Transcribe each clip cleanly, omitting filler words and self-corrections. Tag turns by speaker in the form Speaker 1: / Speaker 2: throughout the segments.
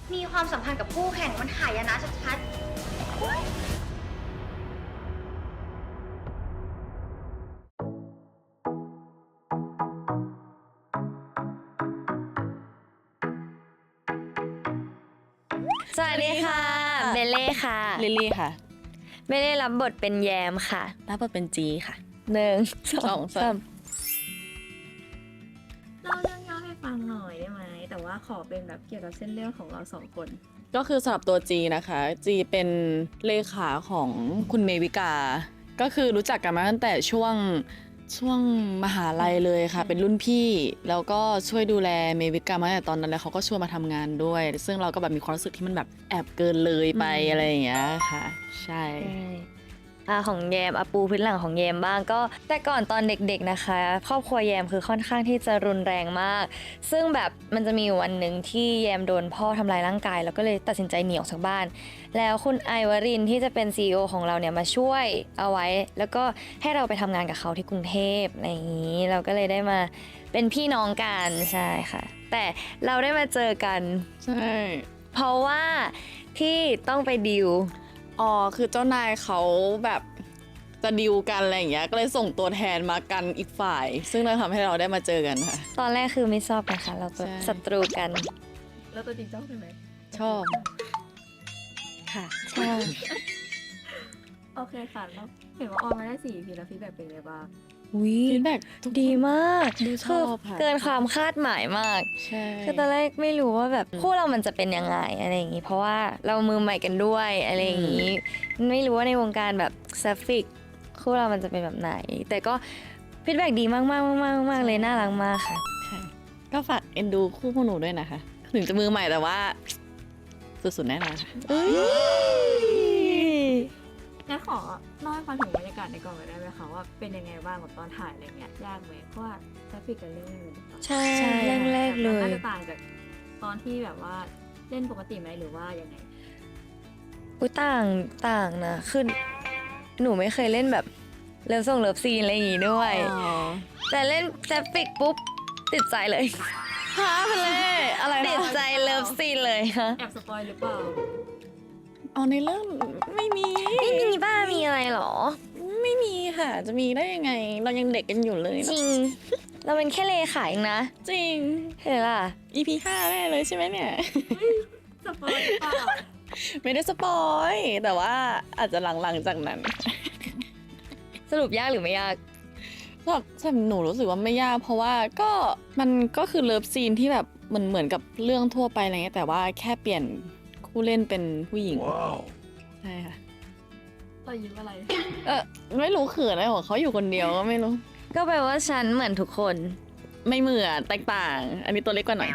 Speaker 1: มีความสัมพันธ์กับคู่แข่งมันหายนะชัด
Speaker 2: สวัสดีค่ะเบลเล่ค่ะ
Speaker 3: ลิลลี่ค่ะ
Speaker 2: เบลเล่รับบทเป็นแยมค่ะ
Speaker 3: รับบทเป็นจีค่ะ
Speaker 2: 1 2 3
Speaker 4: เล่าเรื่องย่อให้ฟังหน่อยได้ไหม แต่ว่าขอเป็นแบบเกี่ยวกับเส้นเรื่องของเราสองคน
Speaker 3: ก็คือสำหรับตัวจีนะคะจีเป็นเลขาของคุณเมวิกา ก็คือรู้จักกันมาตั้งแต่ช่วงมหาลัยเลยค่ะ เป็นรุ่นพี่ แล้วก็ช่วยดูแลเมวิกามาตั้งแต่ตอนนั้นแล้วเขาก็ชวนมาทำงานด้วย ซึ่งเราก็แบบมีความรู้สึกที่มันแบบแอบเกินเลยไปอะไรอย่างเงี้ยค่ะ ใช่
Speaker 2: ของแยมปูพื้นหลังของแยมบ้างก็แต่ก่อนตอนเด็กๆนะคะ ครอบครัวแยมคือค่อนข้างที่จะรุนแรงมาก ซึ่งแบบมันจะมีอยู่วันหนึ่งที่แยมโดนพ่อทำลายร่างกาย แล้วก็เลยตัดสินใจหนีออกจากบ้าน แล้วคุณไอวรินทร์ที่จะเป็น CEO ของเราเนี่ยมาช่วยเอาไว้ แล้วก็ให้เราไปทำงานกับเขาที่กรุงเทพอะไรอย่างนี้เราก็เลยได้มาเป็นพี่น้องกันใช่ค่ะ แต่เราได้มาเจอกัน
Speaker 3: ใช่
Speaker 2: เพราะว่าที่ต้องไปดิว
Speaker 3: อ๋อคือเจ้านายเขาแบบจะดิวกันอะไรอย่างเงี้ยก็เลยส่งตัวแทนมากันอีกฝ่าย ซึ่งเลยทำให้เราได้มาเจอกันค่ะ
Speaker 2: ตอนแรกคือไม่ชอบนะคะ เราเป็น
Speaker 3: ใช่
Speaker 2: ศัตรูกัน
Speaker 4: แล้วตัวจริงชอบใช่ไหม
Speaker 3: ชอบ ค่ะ
Speaker 2: ใช่
Speaker 4: โอเคค่ะแล้วเห็นว่าออนมาได้4 EP แล้วฟีดแบ็กเป็นไงบ้าง
Speaker 2: วิ
Speaker 3: ฟีดแบ็ก
Speaker 2: ดีมาก
Speaker 3: ดูชอบค่ะ
Speaker 2: เกินความคาดหมายมาก
Speaker 3: ใช่
Speaker 2: คือตอนแรกไม่รู้ว่าแบบคู่เรามันจะเป็นยังไงอะไรอย่างนี้ เพราะว่าเรามือใหม่กันด้วยอะไรอย่างนี้ ไม่รู้ว่าในวงการแบบแซฟิกคู่เรามันจะเป็นแบบไหน แต่ก็ฟีดแบ็กดีมากๆๆๆเลยน่ารักมากค่ะ
Speaker 3: ค่ะก็ฝากเอ็นดูคู่พวกหนูด้วยนะคะ ถึงจะมือใหม่แต่ว่า สุดๆแน่นอนค่ะ
Speaker 4: งั้นขอเล่าให้ฟังถึงบรรยากาศในกองหน่อยได้ไหมคะว่าเป็นยังไงบ้างกับตอนถ่ายอะไรเงี้ยยากไหมเพราะว่าทราฟิกกันเรื่องนึง
Speaker 2: ใช่
Speaker 3: ใช่
Speaker 2: แรกๆเลย
Speaker 4: น่าจะต่างจากตอนที่แบบว่าเล่นปกติไหมหรือว่ายังไง
Speaker 2: อุ้ยต่างนะคือหนูไม่เคยเล่นแบบเลิฟส่งเลิฟซีนอะไรอย่างงี้ด้วย
Speaker 3: อ๋อ
Speaker 2: แต่เล่นแซฟิกปุ๊บติดใจเลย
Speaker 3: ฮะเป็นเลยอะไร
Speaker 2: ติด
Speaker 3: นะ
Speaker 2: ใจเลิฟซีนเลยฮะ
Speaker 4: แอบสปอยหรือเปล่า
Speaker 3: อ๋อในเรื่องไม่มี
Speaker 2: ไม่มีบ้ามีอะไรหรอ
Speaker 3: ไม่มีค่ะ จะมีได้ยังไง เรายังเด็กกันอยู่เลย
Speaker 2: จริง เราเป็นแค่เลขาเองนะ
Speaker 3: จริง
Speaker 2: เห็นล่ะ
Speaker 3: EP 5แน่เลยใช่ไหมเนี่ย
Speaker 4: สปอยหรือเปล่า
Speaker 3: ไม่ได้สปอยแต่ว่าอาจจะหลังๆจากนั้น
Speaker 2: สรุปยากหรือไม่ยาก
Speaker 3: สำหรับหนูรู้สึกว่าไม่ยาก เพราะว่ามันก็คือเลิฟซีนที่แบบเหมือนกับเรื่องทั่วไปอะไรเงี้ยแต่ว่าแค่เปลี่ยนคู่เล่นเป็นผู้หญิงใช่ค่ะ
Speaker 4: เรายิ้มอะไร
Speaker 3: ไม่รู้เขินอะไรของเขาอยู่คนเดียวก็ไม่รู้
Speaker 2: ก็แปลว่าฉันเหมือนทุกคน
Speaker 3: ไม่เหมือนแตกต่าง อันนี้ตัวเล็กกว่าหน่อย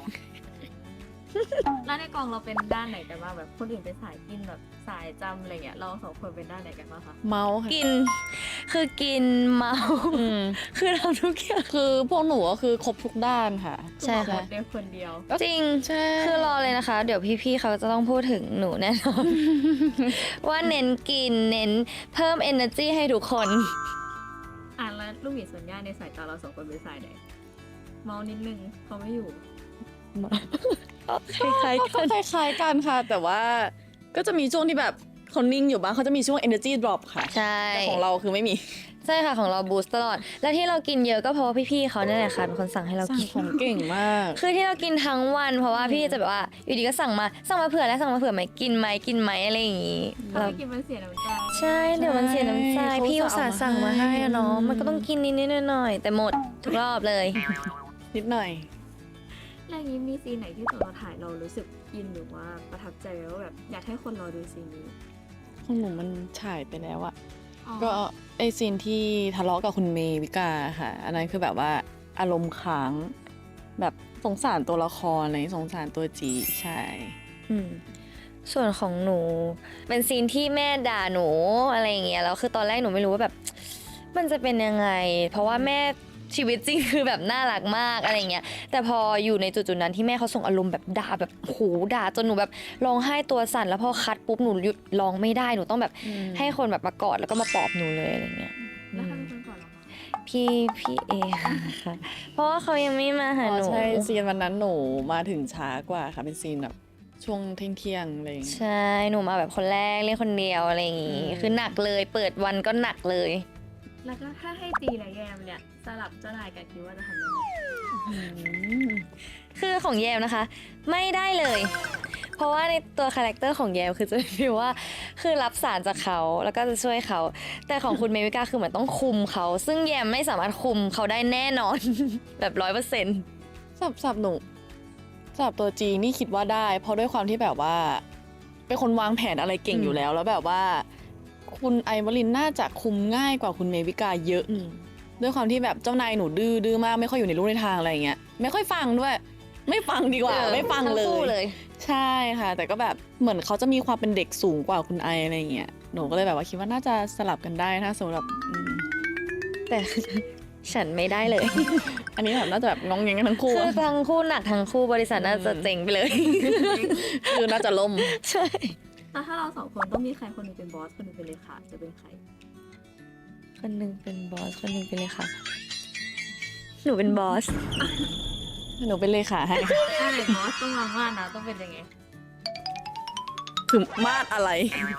Speaker 4: แล้วในกองเราเป็นด้านไหนกันบ้างแบบคนอื่นเป็นสายกินแบบสายจำอะไรเงี้ยเราสองคนเป็นด้านไหนกันบ้างคะ
Speaker 3: เมาค่ะ
Speaker 2: กิน คือกินเมา
Speaker 3: อืม
Speaker 2: คือทำทุกอย่าง
Speaker 3: คือพวกหนูก็คือครบทุกด้านค่ะ
Speaker 2: ใช่ค่ะ
Speaker 4: เดียวคนเดียว
Speaker 2: จริง
Speaker 3: ใช่
Speaker 2: คือรอเลยนะคะ เดี๋ยวพี่ๆเขาจะต้องพูดถึงหนูแน่นอน ว่าเน้นกินเน้นเพิ่ม energy ให้ทุกคน
Speaker 4: แล้วลูกหมีส่วนย่าในสายตาเราสองคนเป็นสายไหนเมานิดนึงเขาไม่อยู่
Speaker 2: คล้ายๆ
Speaker 3: ก็
Speaker 2: กัน
Speaker 3: คล้ายๆกันค่ะ แต่ว่าก็จะมีช่วงที่แบบเขานิ่งอยู่บ้างเขาจะมีช่วง energy drop ค่ะ
Speaker 2: ใช่
Speaker 3: แต่ของเราคือไม่มี
Speaker 2: ใช่ค่ะของเราบูสต์ตลอด และที่เรากินเยอะก็เพราะว่าพี่ๆเขาเนี่ยแหละค่ะเป็นคนสั่งให้เรา
Speaker 3: สั่ง
Speaker 2: กิน
Speaker 3: ของเก่งมาก
Speaker 2: คือที่เรากินทั้งวันเพราะว่าพี่จะแบบว่าอยู่ดีก็สั่งมาเผื่อแล้วสั่งมาเผื่อไหมกินไหมอะไรอย่างงี้
Speaker 4: ถ้า
Speaker 2: เรา
Speaker 4: ไม่กินมันเสียน้ำใจ
Speaker 2: ใช่เดี๋ยวมันเสียน้ำใจ
Speaker 3: เขา
Speaker 2: พี่อุตส่าห์สั่งมาให้อะเนาะ
Speaker 3: อืม
Speaker 2: มันก็ต้องกินนิดๆหน่อยๆแต่หมดทุกรอบเลย
Speaker 3: นิดหน่อย
Speaker 4: แล้วอย่างนี้มีซีนไหนที่ตอนเราถ่ายเรารู้สึกอินหรือว่าประทับใจว่าแบบอยากให้คนรอดูซีนนี้
Speaker 3: ของหนูมันฉายไปแล้วอะ
Speaker 4: อ๋อ
Speaker 3: ก็ไอซีนที่ทะเลาะกับคุณเมวิกาค่ะ อันนั้นคือแบบว่าอารมณ์ค้าง แบบสงสารตัวละครอะไรสงสารตัวจีใช่
Speaker 2: อืมส่วนของหนูเป็นซีนที่แม่ด่าหนูอะไรอย่างเงี้ยแล้วคือตอนแรกหนูไม่รู้ว่าแบบ มันจะเป็นยังไง เพราะว่าแม่ชีวิตจริงคือแบบน่ารักมากอะไรเงี้ยแต่พออยู่ในจุดๆนั้นที่แม่เขาส่งอารมณ์แบบด่าแบบโหด่าจนหนูแบบร้องไห้ตัวสั่นแล้วพอคัดปุ๊บหนูหยุดร้องไม่ได้หนูต้องแบบ
Speaker 3: อืม
Speaker 2: ให้คนแบบมากอดแล้วก็มาปลอบหนูเลยอะไรเงี้ย
Speaker 4: แล้วใครเป็นคนก่อนเหรอคะ
Speaker 2: พี่เอค่ะเพราะว่าเขายังไม่มาหา
Speaker 3: อ๋อ
Speaker 2: หนู
Speaker 3: ใช่ซีนวันนั้นหนูมาถึงช้ากว่าค่ะเป็นซีนแบบช่วงเที่ยงๆอะไรอย่างเงี้ย
Speaker 2: ใช่หนูมาแบบคนแรกเล่นคนเดียวอะไรอย่างงี้
Speaker 3: อืม
Speaker 2: คือหนักเลยเปิดวันก็หนักเลย
Speaker 4: แล้วก็ถ้าให้จีและแยมเนี่ยสลับเจ้านายกันคิดว่าจะทำยังไง
Speaker 2: คือของแยมนะคะ ไม่ได้เลย เพราะว่าในตัวคาแรคเตอร์ของแยมคือจะฟีลว่าคือรับสารจากเขาแล้วก็จะช่วยเขา แต่ของคุณเมวิกาคือเหมือนต้องคุมเขา ซึ่งแยมไม่สามารถคุมเขาได้แน่นอน แบบ100%
Speaker 3: สับหนูสับตัวจีนี่คิดว่าได้ เพราะด้วยความที่แบบว่า เป็นคนวางแผนอะไรเก่งอยู่แล้ว แล้วแบบว่า คุณไอวลินน่าจะคุมง่ายกว่าคุณเมวิกาเยอะ ด้วยความที่แบบเจ้านายหนูดื้อมากไม่ค่อยอยู่ในรูในทางอะไรอย่างเงี้ยไม่ค่อยฟังด้วย ไม่ฟังดีกว่า ไม่ฟังเล
Speaker 2: ทั้คู่
Speaker 3: ย
Speaker 2: เลย
Speaker 3: ใช่ค่ะ แต่ก็แบบเหมือนเขาจะมีความเป็นเด็กสูงกว่าคุณไออะไรอย่างเงี้ยหนูก็เลยแบบว่าคิดว่าน่าจะสลับกันได้ถ้าสำหรับ
Speaker 2: แต่ ฉันไม่ได้เลย
Speaker 3: อันนี้แบบน่าจะแบบงองแงงกันทั้งคู่
Speaker 2: คือ
Speaker 3: อะ
Speaker 2: ทั้งคู่หนักทั้งคู่บริษัทน่าจะเจ๋งไปเลย
Speaker 3: คือน่าจะล่ม
Speaker 2: ใช่
Speaker 4: แล้วถ้าเราสองคนต้องมีใครคนหนึงเป็นบอสคนหนึงเป็นเลขาจะเป็นใคร
Speaker 2: คนหนึ่งเป็นบอสคนหนึ่งเป็นเลขาหนูเป็นบอส
Speaker 3: หนูเป็นเลขาให้
Speaker 4: ใช่บอสต้องมาว่านะต้องเป็นยังไง
Speaker 3: คือมาดอะไร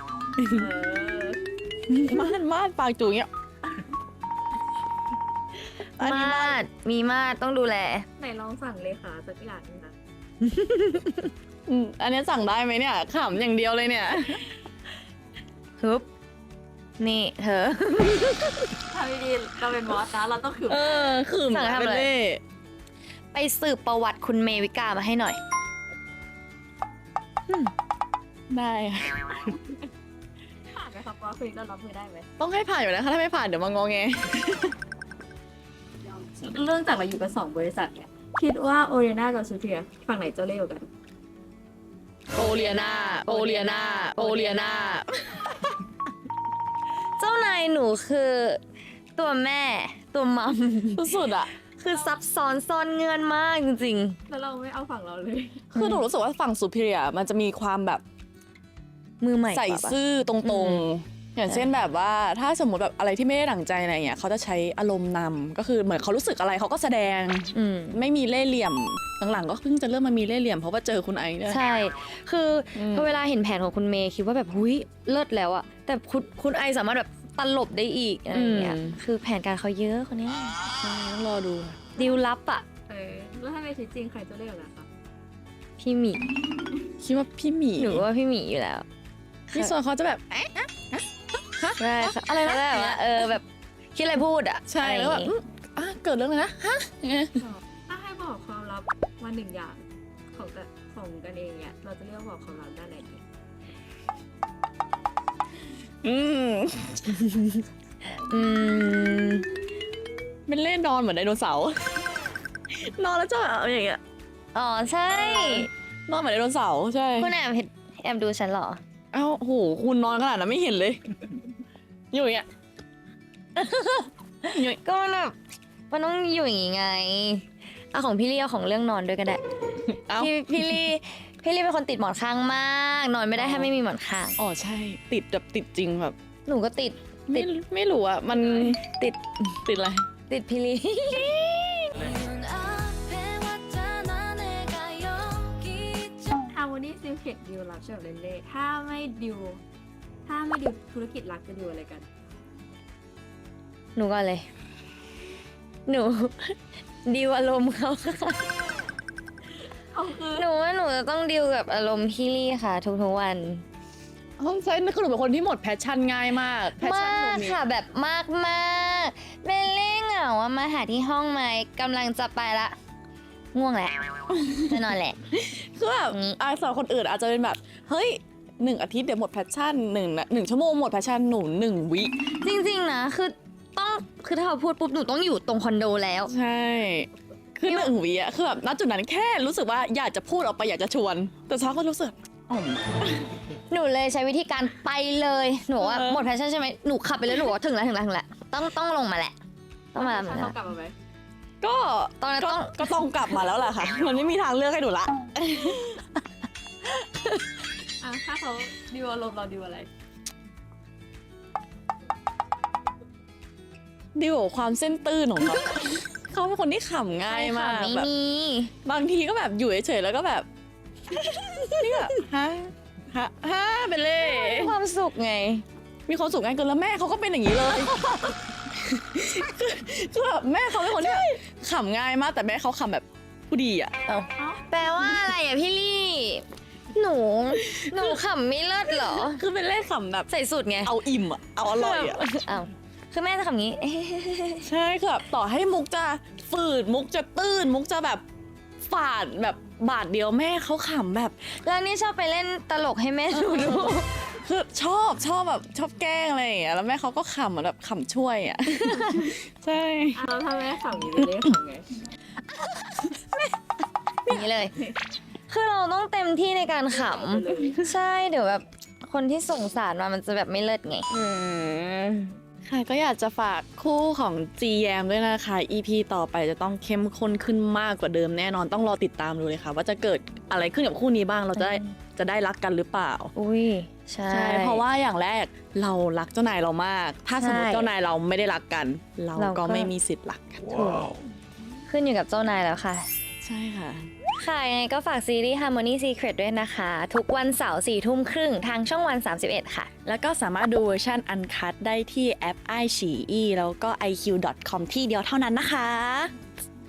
Speaker 3: มาดปากจูเงี้ยอันนี้
Speaker 2: มาดมีมาดต้องดูแล
Speaker 4: ไหนลองสั่งเลขาสักอย่างหนึงนะ
Speaker 3: อันนี้สั่งได้ไหมเนี่ยขำอย่างเดียวเลยเนี่ย
Speaker 2: ฮึบ นี่เธอ
Speaker 4: ถ้าไม่ดีเราเป็นบอสนะเราต้องคือ
Speaker 3: คือ
Speaker 2: สั่งให้ทำ
Speaker 3: เป็น
Speaker 2: อะไร
Speaker 3: เล่
Speaker 2: ไปสืบประวัติคุณเมวิกามาให้หน่อย
Speaker 3: ได้ค่ะ
Speaker 4: ผ่านไหมครับบอสคุยเรารับมือได้ไหม
Speaker 3: ต้องให้ผ่านอยู่แล้วค่ะถ้าไม่ผ่านเดี๋ยวมางอแง
Speaker 4: เรื่องจากเราอยู่กัน2 บริษัทเนี่ยคิดว่าโอเรียนากับซูเทียฝั่งไหนเจ้าเล่ห์กว่ากัน
Speaker 3: โอเลียนาโอเลียนาโอเลียนา
Speaker 2: เจ้านายหนูคือตัวแม่ตัวมัม
Speaker 3: สุดๆอะ
Speaker 2: คือซับซ้อนซ่อนเงื่อนมากจริง
Speaker 4: แล้วเราไม่เอาฝั่งเราเลย
Speaker 3: คือหนูรู้สึกว่าฝั่งซูเปอร์มันจะมีความแบบ
Speaker 2: ๆ มือใหม่กว่า
Speaker 3: ใส่
Speaker 2: ปะ
Speaker 3: ซื่อตรงๆ อย่างเช่นแบบว่าถ้าสมมติแบบอะไรที่ไม่ได้ดั่งใจอะไรเงี้ยเขาจะใช้อารมณ์นำก็คือเหมือนเขารู้สึกอะไรเขาก็แสดง
Speaker 2: อืม
Speaker 3: ไม่มีเล่ห์เหลี่ยมหลังๆก็เพิ่งจะเริ่มมามีเล่ห์เหลี่ยมเพราะว่าเจอคุณไอซ์เนี่ย
Speaker 2: ใช่ คืออ
Speaker 3: ม
Speaker 2: พอเวลาเห็นแผนของคุณเมย์คิดว่าแบบหุยเลิศแล้วอะแต่คุณไอสามารถแบบตลบได้อีกอะไรอย่างเงี้ย คือแผนการเขาเยอะคนเนี้ย
Speaker 3: ใช่ต้องรอดูค่ะ
Speaker 2: ดิวลับอะ
Speaker 4: แล้วถ้าในชีวิตจริงใครเจ้าเล่ห์กว่ากันคะ
Speaker 2: พี่หมี
Speaker 3: คิดว่าพี่หมี
Speaker 2: หนูว่าพี่หมีอยู่แล้ว
Speaker 3: พี่ส่วนเขาจะแบบ
Speaker 2: ใช่ค่ะ
Speaker 3: อะไรนะ
Speaker 2: เขาแบบว่าแบบคิดอะไรพูดอะ
Speaker 3: ใช่
Speaker 2: อะไรอ
Speaker 3: แล้ว
Speaker 2: ย่าง
Speaker 3: แบบ
Speaker 2: งี้
Speaker 3: เกิดเรื่องอะไรนะฮะอย่างเงี้ย
Speaker 4: ถ้าให้บอกความลับมา1 อย่างของกันเองเนี่ยเราจะเรียกว่าบอกความลับด้านไหนดี
Speaker 3: อืม
Speaker 2: อืม
Speaker 3: เป็นเล่นนอนเหมือนไดโนเสาร์ นอนแล้วจะแบบอย่างเงี้ย
Speaker 2: อ๋อใช่
Speaker 3: นอนเหมือนไดโนเสาร์ใช่
Speaker 2: คุณแอบดูฉันเหรอ
Speaker 3: เอ้าโหคุณนอนขนาดนั้นไม่เห็นเลย อยู่อย่างเงี้ย
Speaker 2: ก็มันแบบมันต้องอยู่อย่างงี้ไงเอาของพี่ลี่เอาของเรื่องนอนด้วยก็ได้
Speaker 3: เอ้า
Speaker 2: พี่ลี่เป็นคนติดหมอนข้างมาก นอนไม่ได้ถ้าไม่มีหมอนข้าง
Speaker 3: อ๋อใช่ ติดแบบติดจริงแบบ
Speaker 2: หนูก็ติด
Speaker 3: ไม่รู้อะมัน
Speaker 2: ติด
Speaker 3: ติดอะไร
Speaker 2: ติดพี่ลี่
Speaker 4: ฮาร์โมนีซิลเคตดิวรับเฉลิมเล่ห์ถ้าไม่ดิวธุรกิจรักจะดิวอะไรกัน
Speaker 2: หนูก็เลย หนูดิวอารมณ์เขาค่ะ
Speaker 4: เอาคือ
Speaker 2: หนูว่าหนูจะต้องดิวกับอารมณ์พี่ลี่ค่ะ ทุกๆวัน
Speaker 3: ห้องใช่นั่นคือหนูเป็นคนที่หมดแพชชั่นง่ายมากแพชชั่นหนู
Speaker 2: มาก
Speaker 3: มี
Speaker 2: ค่ะแบบมากเบลเล่เหงาอะมาหาที่ห้องไหมกำลังจะไปละ ง่วงแหละจะนอนแหละ
Speaker 3: คือแบบ
Speaker 2: อืม
Speaker 3: สำหรับคนอื่นอาจจะเป็นแบบเฮ้ย1 อาทิตย์เดี๋ยวหมดแพชชั่น1 ชั่วโมงหมดแพชชั่นหนู1 วิ
Speaker 2: จริงๆนะคือถ้าเขาพูดปุ๊บหนูต้องอยู่ตรงคอนโดแล้ว
Speaker 3: ใช่คือ1 วิอะคือแบบณจุดนั้นแค่รู้สึกว่าอยากจะพูดออกไปอยากจะชวน แต่เช้าก็รู้สึกอ๋อม
Speaker 2: หนูเลยใช้วิธีการไปเลยหนูว่า
Speaker 3: เออ
Speaker 2: หมดแพชชั่นใช่ไหมหนูขับไปเลยหนูว่าถึงแล้วต้องลงมาแหละต้องมา
Speaker 4: ถ้าเขากลับมาไหม
Speaker 3: ก็
Speaker 2: ตอนนั้นต้อง
Speaker 3: ก็ต้องกลับมาแล้วแหละค่ะ มันไม่มีทางเลือกให้หนูละ
Speaker 4: ถ้าเขาดิวอารมณ์เราดิวอะไร
Speaker 3: ดิวกับความเส้นตื้นของเขา เขาเป็นคนที่ขำง่ายมาก
Speaker 2: ไม่
Speaker 3: แบบ
Speaker 2: มี
Speaker 3: บางทีก็แบบอยู่เฉยๆแล้วก็แบบนี่แบบฮะเป็นเล่
Speaker 2: ความสุขไง
Speaker 3: มีความสุขง่ายเกินแล้วแม่เขาก็เป็นอย่างนี้เลย คือแบบแม่เขาเป็นคนที่แบบขำง่ายมากแต่แม่เขาขำแบบผู้ดีอ่ะ
Speaker 2: แปลว่าอะไรอ่ะพี่ลี่ หนูขำไม่เลิศเหรอ
Speaker 3: คือเป็นเล่ขำแบบ
Speaker 2: ใส่สุดไง
Speaker 3: เอาอิ่มอ่ะเอาอร่อยอ่ะ
Speaker 2: อ้าวคือแม่จะขำงี้
Speaker 3: ใช่คือแบบต่อให้มุกจะฝืดมุกจะตื้นมุกจะแบบฝาดแบบบาทเดียวแม่เขาขำแบบ
Speaker 2: แล้วนี่ชอบไปเล่นตลกให้แม่ดู
Speaker 3: คือชอบแบบชอบแกล้งอะไรอย่างเงี้ยแล้วแม่เขาก็ขำเหมือนแบบขำช่วยอ่ะ ใช่
Speaker 4: แล้วถ้าแม่ขำอยู่จะเรียกขำไง
Speaker 2: อย่างนี้เลย คือเราต้องเต็มที่ในการขำ ใช่ เดี๋ยวแบบคนที่ส่งสารมามันจะแบบไม่เลิศไง
Speaker 3: ค่ะก็อยากจะฝากคู่ของ GYM ด้วยนะคะ EP ต่อไปจะต้องเข้มข้นขึ้นมากกว่าเดิมแน่นอนต้องรอติดตามดูเลยค่ะ ว่าจะเกิดอะไรขึ้นกับคู่นี้บ้างเราจะได้รักกันหรือเปล่า
Speaker 2: อุ้ยใช่
Speaker 3: ใช่เพราะว่าอย่างแรกเรารักเจ้านายเรามาก ถ้าสมมติ
Speaker 2: ใช่
Speaker 3: เจ้านายเราไม่ได้รักกัน เรา
Speaker 2: เราก็
Speaker 3: ก็ไม่มีสิทธิ์รักกัน
Speaker 2: ถูกขึ้นอยู่กับเจ้านายแล้วค่ะ
Speaker 3: ใช่ค่ะ
Speaker 2: ค่ะยังไงก็ฝากซีรีส์ Harmony Secret ด้วยนะคะ ทุกวันเสาร์4 ทุ่มครึ่งทางช่องวัน 31 ค่ะ
Speaker 3: แล้วก็สามารถดูเวอร์ชันอันคัดได้ที่แอป iQIYI แล้วก็ iq.com ที่เดียวเท่านั้นนะคะ